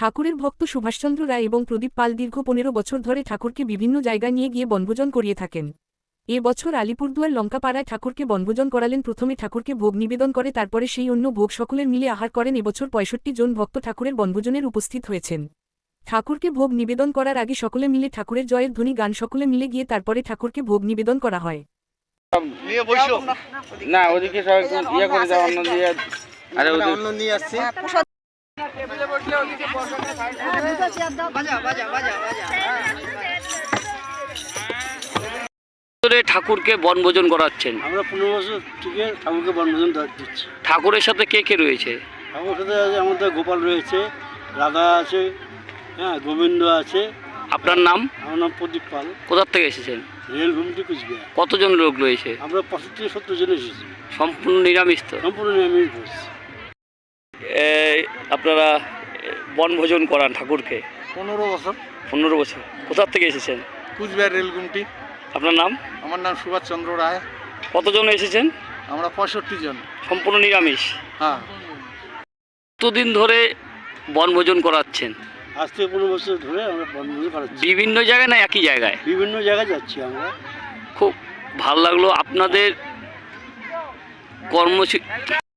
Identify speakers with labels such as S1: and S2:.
S1: ঠাকুরের ভক্ত সুভাষচন্দ্র রায় এবং প্রদীপ পাল দীর্ঘ 15 বছর ধরে ঠাকুরকে বিভিন্ন জায়গায় নিয়ে গিয়ে বনভোজন করিয়ে থাকেন। এ বছর আলিপুরদুয়ার লঙ্কাপাড়ায় ঠাকুরকে বনভোজন করালেন। প্রথমে ঠাকুরকে ভোগ নিবেদন করে, তারপরে সেই অন্য ভোগ সকলের মিলে আহার করেন। এবছর 65 জন ভক্ত ঠাকুরের বনভোজনের উপস্থিত হয়েছেন। ঠাকুরকে ভোগ নিবেদন করার আগে সকলে মিলে ঠাকুরের জয়ের ধ্বনি গান সকলে মিলে গিয়ে তারপরে ঠাকুরকে ভোগ নিবেদন করা হয়।
S2: না ওদিকে সব ইয়ে করে দাও, অন্য দিয়ে আরে অন্য নিয়ে আসছে।
S3: ঠাকুরকে বনভোজন করাচ্ছেন।
S4: আমরা 15 বছর থেকে ঠাকুরকে বনভোজন দিচ্ছি।
S3: ঠাকুরের সাথে কে কে রয়েছে?
S4: ঠাকুরের সাথে আমাদের গোপাল রয়েছে, রাধা আছে, হ্যাঁ গোবিন্দ আছে।
S3: আপনার নাম?
S4: আমার নাম প্রদীপ পাল।
S3: কোথা থেকে এসেছেন?
S4: রেলঘুমটি কুচবিহার।
S3: কতজন লোক রয়েছে?
S4: আমরা 65-70 জন এসেছি।
S3: সম্পূর্ণ নিরামিষ তো?
S4: সম্পূর্ণ নিরামিষ ভোজ।
S3: আপনারা বনভোজন করান ঠাকুরকে
S2: 15 বছর।
S3: 15 বছর। কোথা থেকে এসেছেন?
S2: কুচবিহার রেলগুমটি।
S3: আপনার নাম?
S2: আমার নাম সুভাষচন্দ্র রায়।
S3: কতজন এসেছেন?
S2: আমরা 65 জন।
S3: সম্পূর্ণ নিরামিষ?
S2: হ্যাঁ।
S3: কতদিন ধরে বনভোজন করাচ্ছেন?
S4: আজ থেকে 15 বছর ধরে আমরা বনভোজন করাচ্ছি।
S3: বিভিন্ন জায়গায় না একই জায়গায়?
S4: বিভিন্ন জায়গায় যাচ্ছি আমরা।
S3: খুব ভালো লাগলো আপনাদের কর্মসূচি।